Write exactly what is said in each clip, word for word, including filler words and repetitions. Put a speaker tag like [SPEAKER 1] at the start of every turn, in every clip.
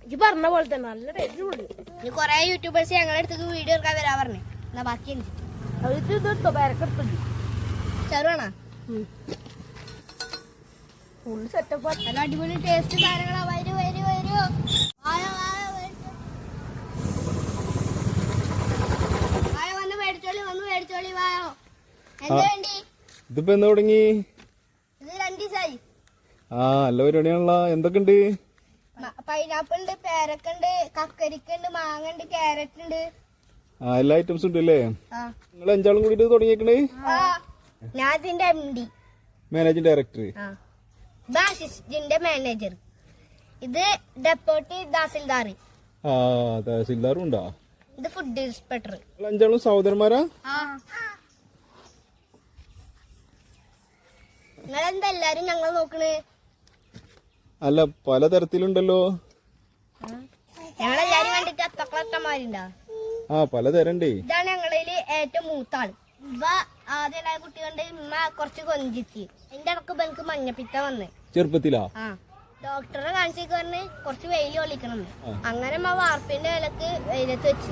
[SPEAKER 1] ഇത് പറഞ്ഞ പോലെ തന്നെ നല്ല ടേസ്റ്റ് ഉണ്ട്.
[SPEAKER 2] ഇനി കൊറേ യൂട്യൂബേഴ്സ് ഞങ്ങളുടെ അടുത്തേക്ക് വീഡിയോ എടുക്കാൻ വരാൻ പറഞ്ഞേ. എന്നാ ബാക്കി എനിക്ക്
[SPEAKER 1] അവർക്ക് ഇതെടുത്തോ പേരക്കെടുത്തത്
[SPEAKER 2] ചെറുവാണോ?
[SPEAKER 1] Full setup.
[SPEAKER 2] നല്ല അടിപൊളി ടേസ്റ്റ് സാധനങ്ങളാ. വരൂ വരൂ വരൂ. വായോ വായോ വായോ വന്ന് മേടിച്ചോളി വന്ന് മേടിച്ചോളി വായോ. എന്താ വേണ്ടി?
[SPEAKER 3] ഇതിപ്പോ എന്ന് തുടങ്ങി?
[SPEAKER 2] ഇത് രണ്ടു ദിവസമായി.
[SPEAKER 3] ആ നല്ല പരിപാടിയാണല്ലോ. എന്തൊക്കെയുണ്ട്?
[SPEAKER 2] പൈനാപ്പിൾ ഉണ്ട്, പേരക്കുണ്ട്, കക്കരിക്കുണ്ട്, മാങ്ങ ഉണ്ട്, ക്യാരറ്റ് ഉണ്ട്.
[SPEAKER 3] ആ എല്ലാ ഐറ്റംസും ഉണ്ട് അല്ലേ? നിങ്ങൾ അഞ്ചാളും കൂടിയിട്ട് തുടങ്ങിയേക്കണേ?
[SPEAKER 2] ഞാൻ ഇതിന്റെ M D,
[SPEAKER 3] managing director,
[SPEAKER 2] assistant manager. ഇത് ഡെപ്യൂട്ടി തഹസിൽദാർ.
[SPEAKER 3] ആ തഹസിൽദാറും ഉണ്ടാ?
[SPEAKER 2] ഇത് ഫുഡ് ഇൻസ്പെക്ടർ.
[SPEAKER 3] അഞ്ചാളും സഹോദരന്മാരാ?
[SPEAKER 2] നിങ്ങളെന്താ എല്ലാരും ഞങ്ങൾ നോക്കണേ?
[SPEAKER 3] അല്ല പലതരത്തിലുണ്ടല്ലോ.
[SPEAKER 2] ഞങ്ങളെല്ലാരും കണ്ടിട്ട് അത്തക്കളത്തമാരുണ്ടാ?
[SPEAKER 3] ആ പലതരണ്ടേ.
[SPEAKER 2] ഇതാണ് ഞങ്ങളിൽ ഏറ്റവും മൂത്താള്. ഇവ ആദ്യം കുട്ടി കണ്ട് ഉമ്മ കുറച്ച് കൊഞ്ചിച്ച് എന്റെ ഇടക്ക് എനിക്ക് മഞ്ഞപ്പിത്ത വന്ന്
[SPEAKER 3] ചെറുപ്പത്തിലാ.
[SPEAKER 2] ആ ഡോക്ടറെ കാണിച്ചേക്ക് പറഞ്ഞ് കുറച്ച് വെയിൽ കൊള്ളിക്കണം. അങ്ങനെ ഉമ്മ വാർപ്പിന്റെ ഇലക്ക് വെയിലത്ത് വെച്ച്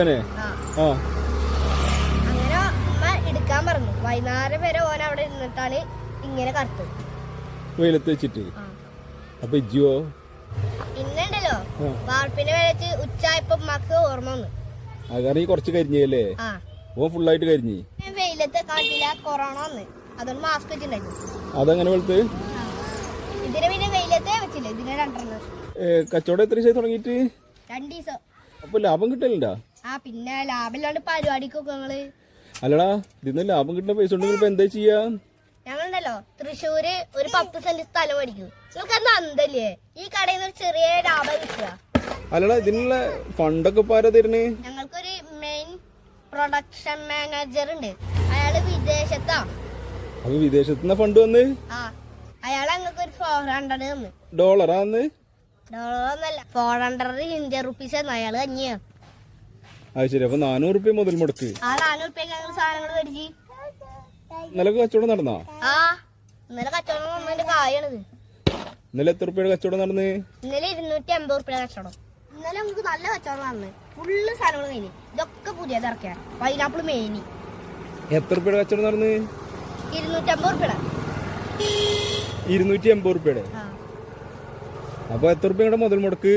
[SPEAKER 2] അങ്ങനെ ഉമ്മ എടുക്കാൻ പറഞ്ഞു. വൈകുന്നേരം വരെ ഓൻ അവിടെ ഇരുന്നിട്ടാണ് ഇങ്ങനെ കറുത്തത്
[SPEAKER 3] വെയിലത്ത് വെച്ചിട്ട്. അപ്പൊ ഇജ്ജോ?
[SPEAKER 2] പിന്നുണ്ടല്ലോ വാർപ്പിന്റെ വെയിലത്ത് ഉച്ചായപ്പോ ഉമ്മക്ക് ഓർമ്മ വന്നു.
[SPEAKER 3] കാരണം ഈ കുറച്ച് കരിഞ്ഞല്ലേ? ഓ ഫുള്ളായിട്ട് കരിഞ്ഞി.
[SPEAKER 2] വെയിലത്ത് കാട്ടില്ല, കൊറോണ വന്ന് അതുകൊണ്ട് മാസ്ക് വെച്ചിട്ടുണ്ടായിരുന്നു.
[SPEAKER 3] അതങ്ങനെ വെളുത്ത്
[SPEAKER 2] ഇതിനെ പിന്നെ വെയിലത്തെ വെച്ചില്ല. ഇതിനെ രണ്ടെണ്ണം.
[SPEAKER 3] കച്ചവടം എത്ര ദിവസമായി തുടങ്ങിയിട്ട്?
[SPEAKER 2] രണ്ടു ദിവസം.
[SPEAKER 3] അപ്പൊ ലാഭം കിട്ടലുണ്ടാ?
[SPEAKER 2] ആ പിന്നെ ലാഭമില്ലാണ്ട് പരിപാടിക്കൊക്കെ ഞങ്ങള്.
[SPEAKER 3] അല്ലടാ ഇതിന്ന് ലാഭം കിട്ടുന്ന പൈസ ഉണ്ടെങ്കിൽ ഇപ്പൊ എന്താ ചെയ്യാ?
[SPEAKER 2] ഞങ്ങളുണ്ടല്ലോ തൃശ്ശൂര് ഒരു പത്ത് സെന്റ് സ്ഥലം മേടിക്കും. നിങ്ങൾക്ക് എന്താ അന്തല്ലേ ഈ കടയിൽ നിന്ന് ഒരു ചെറിയ ലാഭം കിട്ടുക?
[SPEAKER 3] അല്ലടാ ഇതിനുള്ള ഫണ്ടൊക്കെ ഇപ്പൊ ആരാ തരുന്നേ?
[SPEAKER 2] ഞങ്ങൾക്കൊരു മെയിൻ പ്രൊഡക്ഷൻ മാനേജർ ഉണ്ട്. അയാള് വിദേശത്താ.
[SPEAKER 3] അപ്പൊ വിദേശത്തുനിന്ന് ഫണ്ട് വന്ന്?
[SPEAKER 2] ആ അയാള് ഞങ്ങൾക്ക് ഒരു ഫോർ ഹൺഡ്രഡ് തന്നു.
[SPEAKER 3] ഡോളറാ വന്ന്?
[SPEAKER 2] ഡോളർ ഒന്നല്ല, ഫോർ ഹൺഡ്രഡ് ഇന്ത്യൻ റുപ്പീസ് തന്നു. അയാള് കഞ്ഞിയാ.
[SPEAKER 3] അത് ശരി. അപ്പൊ നാനൂറ് റുപ്യ മുതൽ മുടക്ക്.
[SPEAKER 2] ആ നാനൂറ് റുപ്യ ഞങ്ങൾ സാധനങ്ങൾ മേടിച്ച്.
[SPEAKER 3] ഇന്നലെ കച്ചവടം നടന്നാ?
[SPEAKER 2] ആ ഇന്നലെ കച്ചവടം വന്നതിന്റെ കായാണിത്.
[SPEAKER 3] ഇന്നലെ എത്ര റുപ്യയുടെ കച്ചവടം നടന്ന്?
[SPEAKER 2] ഇന്നലെ ഇരുന്നൂറ്റി അമ്പത് റുപ്യ കച്ചവടം. ഇന്നലെ നമുക്ക് നല്ല കച്ചവടം നടന്ന്. ഫുള്ള് സാധനങ്ങൾ കഴിഞ്ഞ്. ഇതൊക്കെ പുതിയത് ഇറക്കിയ പൈനാപ്പിൾ മേനി.
[SPEAKER 3] എത്ര റുപ്യയുടെ കച്ചവടം നടന്ന്?
[SPEAKER 2] ഇരുന്നൂറ്റി അമ്പത് റുപ്യയുടെ.
[SPEAKER 3] ഇരുന്നൂറ്റി അമ്പത് റുപ്യയുടെ. അപ്പൊ എത്ര റുപ്യയുടെ മുതൽ മുടക്ക്?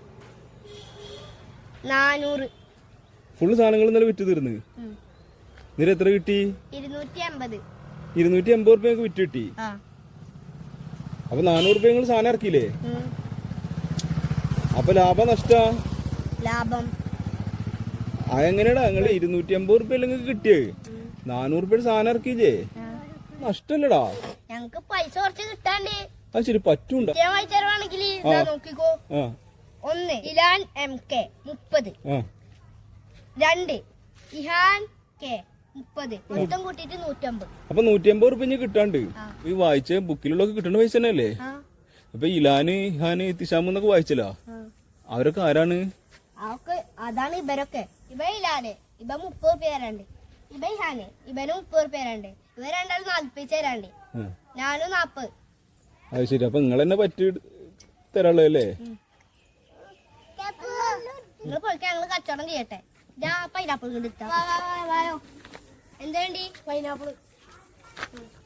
[SPEAKER 2] നാനൂറ്.
[SPEAKER 3] ഫുള്ള് സാധനങ്ങൾ ഇന്നലെ വിറ്റ് തീർന്ന്. നിര എത്ര കിട്ടി?
[SPEAKER 2] ഇരുന്നൂറ്റി അമ്പത്.
[SPEAKER 3] ഇരുന്നൂറ്റി അമ്പത് റുപ്യ വിറ്റ് കിട്ടി. അപ്പൊ നാനൂറ് റുപ്യ നിങ്ങൾ സാധനം ഇറക്കിയില്ലേ? അപ്പൊ ലാഭം നഷ്ട?
[SPEAKER 2] ലാഭം.
[SPEAKER 3] അതെങ്ങനെയാടാ നിങ്ങൾ ഇരുന്നൂറ്റി അമ്പത് റുപ്യ അല്ലെങ്കിൽ കിട്ടിയത്? നാനൂറ് റുപ്യ സാധനം ഇറക്കിയില്ലേ? നഷ്ടല്ലടാ.
[SPEAKER 2] ഞങ്ങക്ക് പൈസ കുറച്ച് കിട്ടാണ്ട്.
[SPEAKER 3] അത് ശരി പറ്റൂണ്ട.
[SPEAKER 2] വായിച്ചാണെങ്കിൽ നോക്കിക്കോ. ഒന്ന് ഇലാൻ എം കെ മുപ്പത്. രണ്ട് ഇഹാൻ കെ മുപ്പത്. മൊത്തം കൂട്ടിട്ട് നൂറ്റമ്പത്.
[SPEAKER 3] അപ്പൊ നൂറ്റി അമ്പത് റുപ്യ കിട്ടാണ്ട് ഈ വായിച്ച ബുക്കിലുള്ളൊക്കെ കിട്ടേണ്ട പൈസ തന്നെ അല്ലേ? അപ്പൊ ഇലാന് ഇഹാന് തിശാമ് എന്നൊക്കെ വായിച്ചല്ലോ. അവരൊക്കെ ആരാണ്?
[SPEAKER 2] അതാണ് ഇവരൊക്കെ. ഇവ ഇലാന് ഇവ മുപ്പത് റുപ്യ തരാണ്ട്. ഇവ ഇഹാന് ഇവന് മുപ്പത് റുപ്യ തരാണ്ട്. ഇവ രണ്ടാളും നാല്പത് തരാണ്ട്. ഞാനും നാപ്പത്. അത്
[SPEAKER 3] ശരി. അപ്പൊ നിങ്ങൾ തന്നെ പറ്റി തരാളല്ലേ?
[SPEAKER 2] നിങ്ങൾ പോയിക്കാൻ ഞങ്ങള് കച്ചവടം ചെയ്യട്ടെ. ഞാൻ പൈനാപ്പിൾ കിട്ടാ. എന്താ വേണ്ടി?
[SPEAKER 1] പൈനാപ്പിൾ.